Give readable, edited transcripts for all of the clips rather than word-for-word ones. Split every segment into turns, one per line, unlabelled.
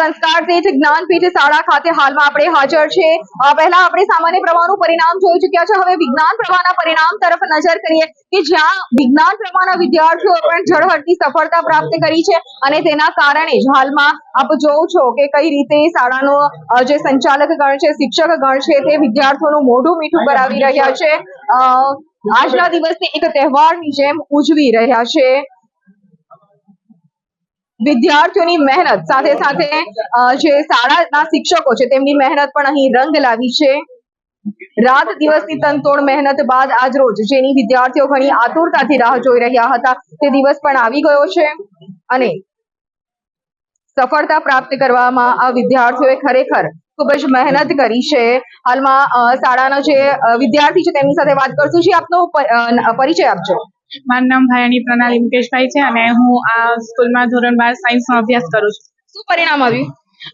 સંસ્કાર પીઠ જ્ઞાનપીઠ શાળા ખાતે હાલમાં આપણે હાજર છે। પહેલા આપણે સામાન્ય પ્રવાહનું પરિણામ જોઈ ચૂક્યા છે। હવે વિજ્ઞાન પ્રવાહના પરિણામ તરફ નજર કરીએ કે જ્યાં વિજ્ઞાન પ્રવાહના વિદ્યાર્થીઓ પણ ઝળહળતી સફળતા પ્રાપ્ત કરી છે અને તેના કારણે જ હાલમાં આપ જોવો છો કે કઈ રીતે શાળાનો જે સંચાલક ગણ છે, શિક્ષક ગણ છે, તે વિદ્યાર્થીઓનું મોઢું મીઠું કરાવી રહ્યા છે। આજના દિવસને એક તહેવારની જેમ ઉજવી રહ્યા છે। વિદ્યાર્થીઓની મહેનત સાથે સાથે જે શાળાના શિક્ષકો છે તેમની મહેનત પણ અહીં રંગ લાવી છે। રાત દિવસની તનતોડ મહેનત બાદ આજ રોજ જેની વિદ્યાર્થીઓ ઘણી આતુરતાથી રાહ જોઈ રહ્યા હતા તે દિવસ પણ આવી ગયો છે અને સફળતા પ્રાપ્ત કરવામાં આ વિદ્યાર્થીઓએ ખરેખર ખૂબ જ મહેનત કરી છે। હાલમાં શાળાના જે વિદ્યાર્થી છે તેમની સાથે વાત કરશું। જી, આપનો પરિચય આપજો।
મારું નામ ભાયાણી પ્રણાલી મુકેશભાઈ છે અને હું આ સ્કૂલમાં ધોરણ 12 સાયન્સનો અભ્યાસ કરું છું।
શું પરિણામ આવ્યું?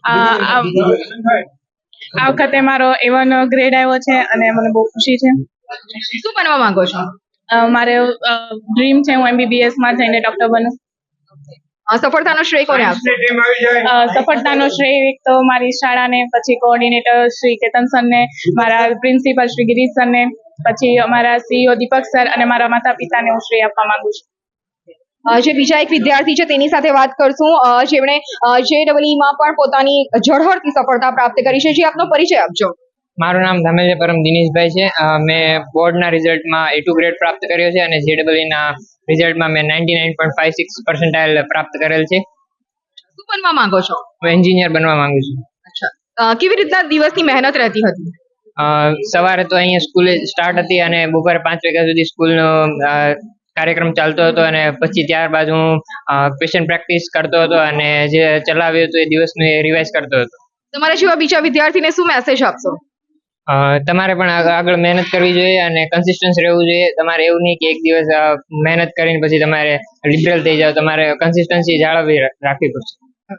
આ વખતે મારો A1 ગ્રેડ આવ્યો છે અને મને બહુ ખુશી છે।
શું બનવા માંગો છો?
મારે ડ્રીમ છે હું MBBS માં જઈને ડોક્ટર બનું।
સફળતાનો શ્રેય કોને આપશો?
સફળતાનો શ્રેય એક તો મારી શાળાને, પછી કોઓર્ડિનેટર શ્રી કેતન સરને, મારા પ્રિન્સિપલ શ્રી ગિરીશ સરને, પછી અમારા CEO દીપક સર અને મારા માતા પિતાને હું શ્રેય આપવા માંગુ છું।
જે બીજા એક વિદ્યાર્થી છે તેની સાથે વાત કરશું જેમણે JEE માં પણ પોતાની ઝળહળતી સફળતા પ્રાપ્ત કરી છે। જે આપનો પરિચય આપજો।
મારું નામ ધામેલિયા પરમ દિનેશભાઈ છે। મેં બોર્ડના રિઝલ્ટમાં A2 ગ્રેડ પ્રાપ્ત કર્યો છે અને JEE ના રિઝલ્ટમાં મેં 99.56 પર્સન્ટાઇલ પ્રાપ્ત કરેલ છે।
શું બનવા માંગો છો?
હું એન્જિનિયર બનવા માંગુ છું।
અચ્છા, કેવી રીતના દિવસની મહેનત રહેતી હતી?
સવારે તો અહીંયા સ્કૂલે સ્ટાર્ટ હતી અને બપોરે 5 વાગ્યા સુધી સ્કૂલનો કાર્યક્રમ ચાલતો હતો અને પછી ત્યારબાદ હું ક્વેશ્ચન પ્રેક્ટિસ કરતો હતો અને જે ચલાવ્યું હતું એ દિવસનું રિવાઇઝ કરતો હતો।
તમારા જેવા બીજા વિદ્યાર્થીને શું મેસેજ આપશો?
તમારે પણ આગળ મહેનત કરવી જોઈએ અને કન્સિસ્ટન્સ રહેવું જોઈએ। તમારે એવું નહીં કે એક દિવસ મહેનત કરીને પછી તમારે લિબરલ થઈ જાવ, તમારે કન્સિસ્ટન્સી જાળવી રાખવી પડશે।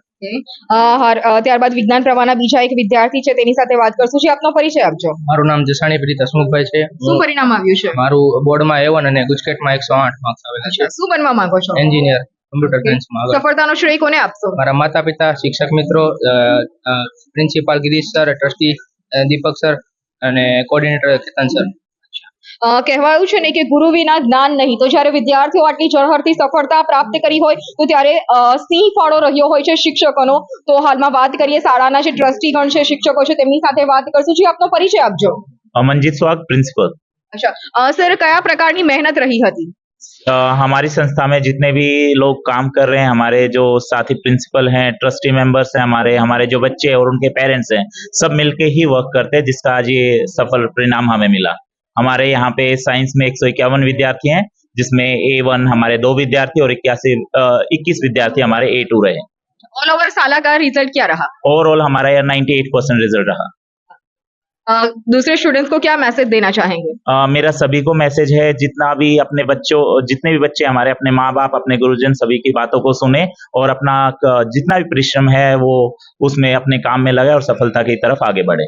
ત્યારબાદ વિજ્ઞાન પ્રવાહના બીજા એક વિદ્યાર્થી છે તેની સાથે વાત કરશું। જે આપનો પરિચય આપજો।
મારું નામ જસાણી પ્રીત હસમુખભાઈ છે।
શું પરિણામ આવ્યું છે?
મારું બોર્ડમાં A1 અને ગુજકેટમાં 108 માર્ક્સ આવેલા છે।
શું બનવા માંગો છો?
એન્જિનિયર કમ્પ્યુટર સાયન્સમાં।
સફળતાનો શ્રેય કોને આપશો?
મારા માતા પિતા, શિક્ષક મિત્રો, principal Girish sir, trustee Deepak sir અને કોઓર્ડિનેટર કેતન સર।
કહેવાયું છે ને કે ગુરુ વિના જ્ઞાન નહીં, તો જ્યારે વિદ્યાર્થીઓ આટલી ઝળહળતી સફળતા પ્રાપ્ત કરી હોય તો ત્યારે સિંહ ફાળો રહ્યો હોય છે શિક્ષકોનો। તો હાલમાં વાત કરીએ શાળાના જે ટ્રસ્ટીગણ છે, શિક્ષકો છે તેમની સાથે વાત કરશું। જે આપનો પરિચય આપજો।
अमनजीत स्वाग प्रिंसिपल।
अच्छा सर, કયા પ્રકારની મહેનત રહી હતી?
हमारी संस्था में जितने भी लोग काम कर रहे हैं, हमारे जो साथी प्रिंसिपल हैं, ट्रस्टी मेंबर्स हैं, हमारे जो बच्चे हैं और उनके पेरेंट्स हैं, सब मिलके ही वर्क करते हैं जिसका आज ये सफल परिणाम हमें मिला। हमारे यहाँ पे साइंस में 151 विद्यार्थी हैं जिसमें A1 हमारे 2 विद्यार्थी और 21 विद्यार्थी हमारे A2 रहे।
ऑल ओवर साला का रिजल्ट क्या रहा?
ओवरऑल हमारा 98% रिजल्ट रहा।
दूसरे स्टूडेंट्स को क्या मैसेज देना चाहेंगे?
मेरा सभी को मैसेज है, जितने भी बच्चे हमारे अपने माँ बाप, अपने गुरुजन सभी की बातों को सुने और अपना जितना भी परिश्रम है वो उसमें अपने काम में लगाए और सफलता की तरफ आगे बढ़े।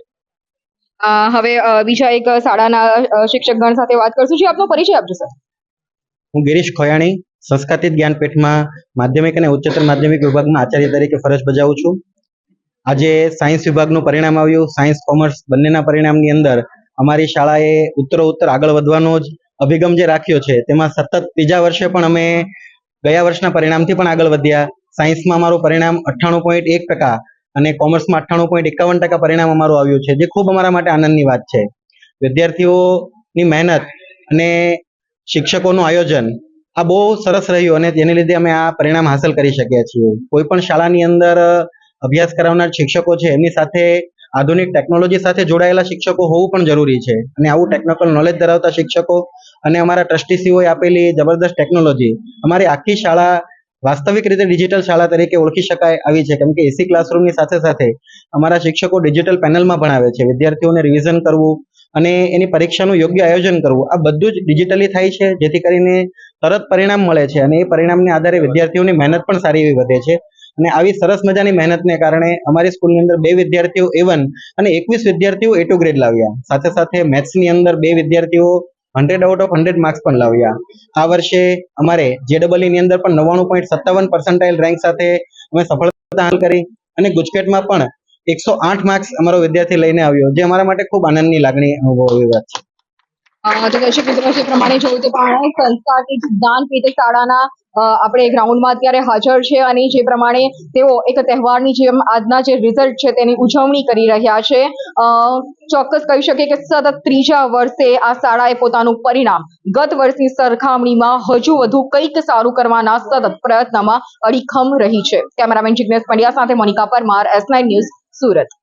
હવે બીજા એક શાળાના શિક્ષકગણ સાથે વાત કરશું। જે આપનો પરિચય આપજો સર।
હું ગિરીશ ખોયાણી સંસ્કારિત જ્ઞાનપીઠમાં માધ્યમિક અને ઉચ્ચતર માધ્યમિક વિભાગમાં આચાર્ય તરીકે ફરજ બજાવું છું। આજે સાયન્સ વિભાગનું પરિણામ આવ્યું। સાયન્સ કોમર્સ બંનેના પરિણામની અંદર અમારી શાળાએ ઉત્તરોત્તર આગળ વધવાનો જ અભિગમ જે રાખ્યો છે તેમાં સતત ત્રીજા વર્ષે પણ અમે ગયા વર્ષના પરિણામથી પણ આગળ વધ્યા। સાયન્સમાં અમારું પરિણામ 98.1% અને કોમર્સમાં 98.51% પરિણામ અમારું આવ્યું છે, જે ખૂબ અમારા માટે આનંદની વાત છે। વિદ્યાર્થીઓની મહેનત અને શિક્ષકોનું આયોજન આ બહુ સરસ રહ્યું અને તેને લીધે અમે આ પરિણામ હાંસલ કરી શક્યા છીએ। કોઈ પણ શાળાની અંદર અભ્યાસ કરાવનાર શિક્ષકો છે એમની સાથે આધુનિક ટેકનોલોજી સાથે જોડાયેલા શિક્ષકો હોવું પણ જરૂરી છે અને આવું ટેકનિકલ નોલેજ ધરાવતા શિક્ષકો અને અમારા ટ્રસ્ટીસીઓએ આપેલી જબરદસ્ત ટેકનોલોજી અમારી આખી શાળા વાસ્તવિક રીતે ડિજિટલ શાળા તરીકે ઓળખી શકાય આવી છે, કેમ કે AC ક્લાસરૂમની સાથે સાથે અમારા શિક્ષકો ડિજિટલ પેનલમાં ભણાવે છે। વિદ્યાર્થીઓને રિવિઝન કરવું અને એની પરીક્ષાનું યોગ્ય આયોજન કરવું આ બધું જ ડિજિટલી થાય છે, જેથી કરીને તરત પરિણામ મળે છે અને એ પરિણામને આધારે વિદ્યાર્થીઓની મહેનત પણ સારી એવી વધે છે। અને આવી સરસ મજાની મહેનતને કારણે અમારી સ્કૂલની અંદર 2 વિદ્યાર્થીઓ A1 અને 21 વિદ્યાર્થીઓ A2 ગ્રેડ લાવ્યા। સાથે સાથે મેથ્સની અંદર 2 વિદ્યાર્થીઓ 100 આઉટ ઓફ 100 માર્ક્સ પણ લાવ્યા। આ વર્ષે અમારે JEE ની અંદર પણ 99.57 પર્સન્ટાઇલ રેન્ક સાથે અમે સફળતા હાંસલ કરી અને ગુજકેટમાં પણ 108 માર્ક્સ અમારો વિદ્યાર્થી લઈને આવ્યો, જે અમારા માટે ખૂબ આનંદની લાગણી અનુભવવી વાત છે.
તો દર્શક મિત્રો, જે પ્રમાણે જોયું તે પ્રમાણે સંસ્કારથી જ્ઞાનપીઠ શાળાના આપણે ગ્રાઉન્ડમાં અત્યારે હાજર છે અને જે પ્રમાણે તેઓ એક તહેવારની જેમ આજના જે રિઝલ્ટ છે તેની ઉજવણી કરી રહ્યા છે. ચોક્કસ કહી શકીએ કે સતત ત્રીજા વર્ષે આ શાળાએ પોતાનું પરિણામ ગત વર્ષની સરખામણીમાં હજુ વધુ કંઈક સારું કરવાના સતત પ્રયત્નમાં અડીખમ રહી છે. કેમેરામેન જિગ્નેશ પંડ્યા સાથે Monica Parmar, S9 news, Surat.